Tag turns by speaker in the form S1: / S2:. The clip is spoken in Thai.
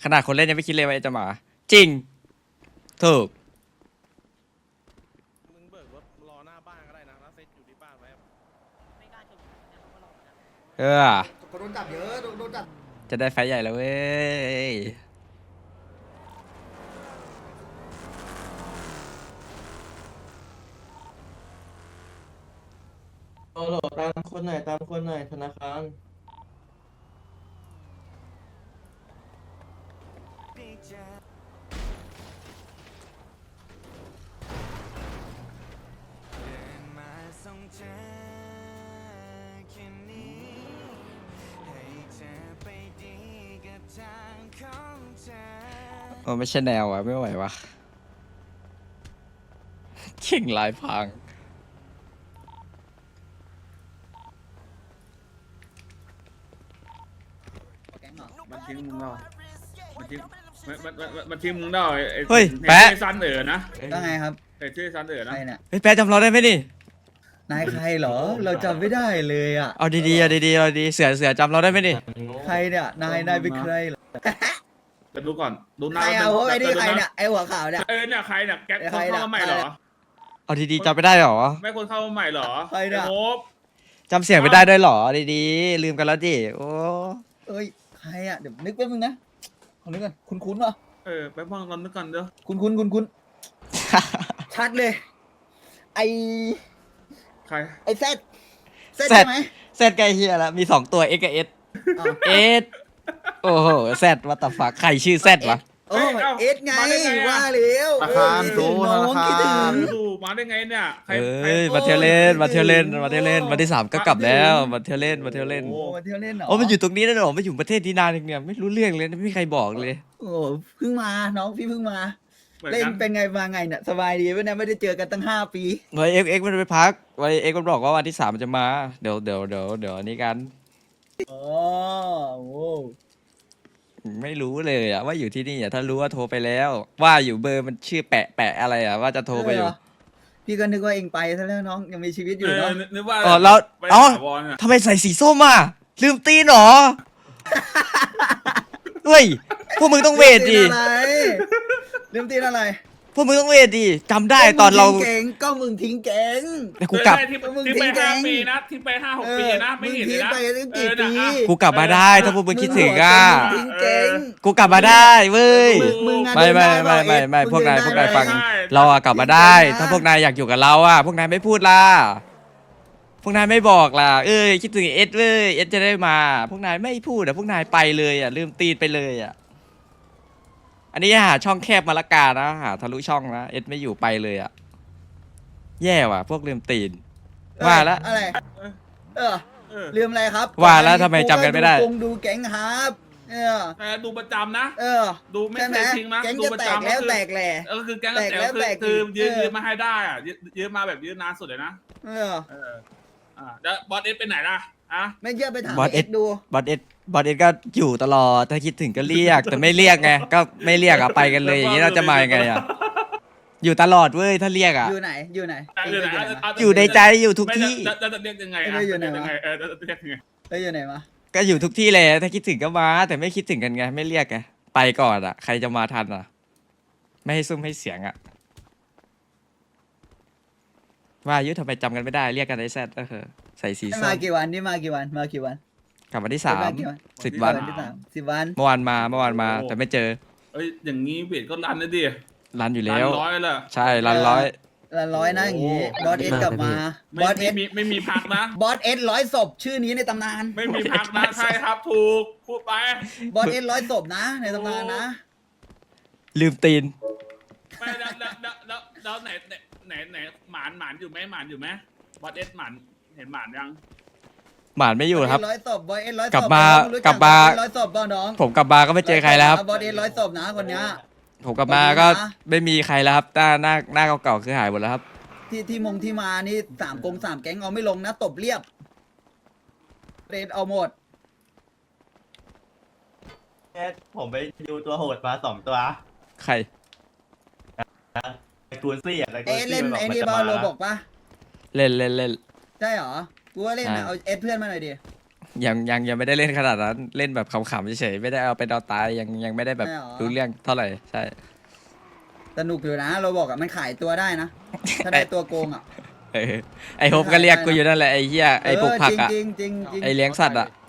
S1: ขนาดคนเล่นยังไม่คิดเลยว่าจะมาจริงถูก
S2: มึงเบิกรถรอหน้าบ้านก็ได้นะแล้วเซ็ตอยู่ที่บ้านไว้
S1: เออ
S3: คนโดนจับเยอะโดนจับ
S1: จะได้ไฟท์ใหญ่แล้วเว้ย
S4: โอ้โหตามคนหน่อยตามคนหน่อยธนาคาร
S1: โอ้ไม่ใช่แนวอ่ะ ไม่ไหววะเข่งลายพัง
S5: มันทิ้งมึงแล้วมันทิ้งมันทิ้งมึงแล้วไอ้
S1: เฮ้ย
S5: ไอ้
S1: แปะ
S5: ซันนะ
S3: ว่าไงครับ
S5: ไอ้ชื่อซันนะ
S3: ใครเนี่ย
S1: เฮ้ยแป๊ะจำเราได้ไหมนี่
S3: นายใครเหรอ เราจำไม่ได้เลยอ่ะ
S1: เอาดีๆเอาดีๆเอาดีเสือจำเราได้ไหมนี่
S3: ใครเนี่ยนายเป็นใครเหรอ
S5: จะดูก่อนดูห
S3: ใค
S5: น้าร
S3: เอาไอ้นี่
S5: ดู
S3: ใคร
S5: หา
S3: เนี่ยไอ้หัวขาวเนี่ย
S5: เนี่ยใครเนี่ยแก๊ง
S3: ใค
S5: ค
S3: ร
S5: น
S3: เนี่ย
S5: เข้ามาใหม่เหรอ
S1: เอาดีๆจำไม่ได้หรอ
S5: ไม่คนเข้ามาใหม่เหรอ
S3: ใครเนี่ย
S5: ไอ้โฮป
S1: จำเสียงไม่ได้ด้วยหรอดีๆลืมกันแล้วดิโอ้
S3: เอ้ยใครอ่ะเดี๋ยวนึกแป๊บนึงนะขอนึกก่อนคุ้นๆวะ
S5: ไปพังกันนึกก่อนเด้อ
S3: คุ้นชัดเลย ไอ
S5: ใคร
S3: ไอเซตใช่ไหม
S1: เซตไกลเฮียแล้วมี2ตัว X กับ S
S3: อ้าว
S1: S โอ้โหแซดวัตถุฟักใครชื่อแซดวะ
S3: โอ้เอสไงว่าแล้ว
S6: ธนาคาร
S3: คิดถึงน้องคิดถึง
S5: ดูมาได้ไงเนี่ยใคร
S1: เอ้ยมาเที่ยวเล่นมาเที่ยวเล่นมาเที่ยวเล่นวันที่3ก็กลับแล้วมาเที่ยวเล่นมาเที่ยวเล่น
S3: โอ้มาเที่ยวเล่นเหรอ
S1: โอ้มันอยู่ตรงนี้แล้วเหรอมันอยู่ประเทศที่นานเนี่ยไม่รู้เรื่องเลยไม่มีใครบอกเลย
S3: โอ้เพิ่งมาน้องพี่เพิ่งมา
S5: เหมือน
S3: เล่น
S5: กัน
S3: เป็นไงมาไงเนี่ยสบายดีไหมเนี่ยไม่ได้เจอกันตั้ง5 ปี
S1: ไว้เอ็กมันไปพักไว้เอ็กมันบอกว่าวันที่3มันจะมาเดี๋ยวอันนี้กัน
S3: อ๋อโอ้
S1: ไม่รู้เลยอะว่าอยู่ที่นี่อะถ้ารู้ว่าโทรไปแล้ว ว่าอยู่เบอร์มันชื่อแปะอะไรอะว่าจะโทรไปอยู่
S3: พี่ก็นึกว่าเองไปซะแล้วน้องยังมีชีวิตอยู่เนาะ
S5: นึกว่า
S1: อ๋อแล้ว
S5: ไป
S1: เอ้า
S5: ถาวรอะ
S1: ทำไมใส่สีส้มอ่ะลืมตีนเหรอเฮ้ยพวกมึงต้องเวทดิ
S3: ลืมตีนอะไร
S1: พวกมึงต้องเวทดิจำได้ตอนเรา
S3: ก็มึงทิ้งแก๊ง
S1: แต่กูกลับ
S5: เออใช่ที่ไป5 ปีนะที่ไป5-6 ปีนะไม่เห็นเลยนะ
S3: มึงทิ้งไปตั้งกี่ปี
S1: กูกลับมาได้ถ้าพวกมึงคิดถึงอ่ะ
S3: มึงทิ้งแก๊ง
S1: กูกลับมาได้เว้ย
S3: มึงอะ
S1: ไม่
S3: เดินได้เปล่า
S1: ไม่
S3: เอ็ด
S1: พวกนาย
S3: มึงเดินได้
S1: ฟัง
S5: ใช่
S1: เราอะกลับมาได้ ถ้าพวกนายอยากอยู่กับเราอะพวกนายไม่พูดล่ะพวกนายไม่บอกล่ะคิดถึงเอสเว้ยเอสจะได้มา พวกนายไม่พูดอะพวกนายไปเลยอะลืมตีนไปเลยอะอันนี้หาช่องแคบมาละกานะหาทะลุช่องนะเอสไม่อยู่ไปเลยอะแย่ว่ะพวกลืมตีนว่าแล้ว
S3: อะไรเออ
S5: เออ
S3: ลืมอะไรครับ
S1: ว่าแล้วทำไมจำกันไม่ได้
S3: ดูแก๊งครับ
S5: ดูประจำนะ
S3: เออ
S5: ดูไม่
S3: ใช่ไห
S5: เค
S3: ม
S5: ยทิ้งนะ
S3: แก๊ง
S5: ดู
S3: จะ
S5: ประ
S3: แตก
S5: จำ
S3: แล้ว
S5: คือ
S3: แตกแหล่
S5: คือแก๊ง
S3: แตกแล้ว
S5: คือ
S3: แตก
S5: คือ
S3: อีก
S5: ยืน
S3: เออ
S5: ยืนมาให้ได้อะยืนมาแบบยืนนานสุดเลยนะ
S3: เออ
S5: แล้วบอสเอสไปไหนล่ะอะ
S3: ไม่เชื่อไปถาม
S1: บอสเอ็
S3: เอ็
S1: ด
S3: ดดู
S1: บอสเอสก็อยู่ตลอดถ้าคิดถึงก็เรียก แต่ไม่เรียกไงก็ไม่เรียกอะไปกันเลยอย่างนี้เราจะมายังไงอะอยู่ตลอดเว้ยถ้าเรียกอะ
S3: อยู่ไหนอยู่ไหน
S5: อยู่ไหน
S1: อยู่ในใจอยู่ทุกที่
S5: จะเรียกยังไงอะ
S3: ไม่ได้อยู่ไหนวะ
S5: จะเรียกยังไง
S3: แล้วอยู่ไหนมา
S1: ก็อยู่ทุกที่เลยถ้าคิดถึงก็มา แต่ไม่คิดถึงกันไงไม่เรียกไงไปก่อนอะใครจะมาทันอะไม่ให้ซุ่มให้เสียงอะว่าอายุทำไมจำกันไม่ได้เรียกกันไอ้แซดก็คือใส่สีส้
S3: มาม กี่วันนี่มากี่วันมากี่วัน
S1: กลับวันที่
S3: มากี่วัน
S1: 10 วัน
S3: ที่3 10 วัน
S1: เมื่อวานมาแต่ไม่เจอ
S5: เอ้ยอย่างนี้เวทก็รันนะดิ
S1: รันอยู่
S5: รั
S1: แล้ว
S5: นร้อยละ
S1: ใช่รันร้อย
S3: ละร้อยนะอย่างงี้บอสเอสกลับมาบอสเอส
S5: ไม่มีพักนะ
S3: บอสเอส100 ศพชื่อนี้ในตำนาน
S5: ไม่มีพักนะใช่ครับถูกพูดไป
S3: บอสเอส100 ศพนะในตำนานนะ
S1: ลืมตีน
S5: ไม่แล้วไหนหมานอยู่ไหมหมานอยู่ไหมบอสเอสหมานเห็นหมานยัง
S1: หมานไม่อยู่ครับ
S3: 100 ศพบอสเอส100 ศพ
S1: กลับมา
S3: รู้
S1: กลับมา
S3: 100 ศพป่ะน้อง
S1: ผมกลับมาก็ไม่เจอใครแล้วครับ
S3: บอสเอส100 ศพนะคนเนี้ย
S1: ผมกลับมาก็ไม่มีใครแล้วครับหน้าเก่าๆคือหายหมดแล้วครับ
S3: ที่มานี่3 แก๊งเอาไม่ลงนะตบเรียบเรดเอาหมด
S4: ผมไปดูตัวโหดมา2 ตัว
S1: ใคร
S4: ไอ้กูนซี่อ่ะไอ้กู
S3: เอ๊ะ
S4: นซี่
S3: เล่น
S4: มัน
S3: ไอ้
S4: มัน
S3: นี่
S4: จะ
S3: บอ
S4: มา
S3: ลโลบอกปะ
S1: เล่น
S3: ใช่เหรอกูว่าเล่นนะ
S1: ใช่
S3: เอาเอสเพื่อนมาหน่อยดิ
S1: ยังไม่ได้เล่นขนาดนั้นเล่นแบบขำๆเฉยๆไม่ได้เอาเป็นเอาตายยังไม่ได้แบบรู้เรื่องเท่าไหร่ใช่
S3: สนุกอยู่นะเราบอกอะมันขายตัวได้นะ ถ้าได้ตัวโกงอะ
S1: ไอโฮปก็เรียกกูอยู่นั่นแหละไอเหี้ยไอปลูกผักอะ
S3: จริงๆจริงๆ
S1: ไอเลี้ยงสัตว์อะ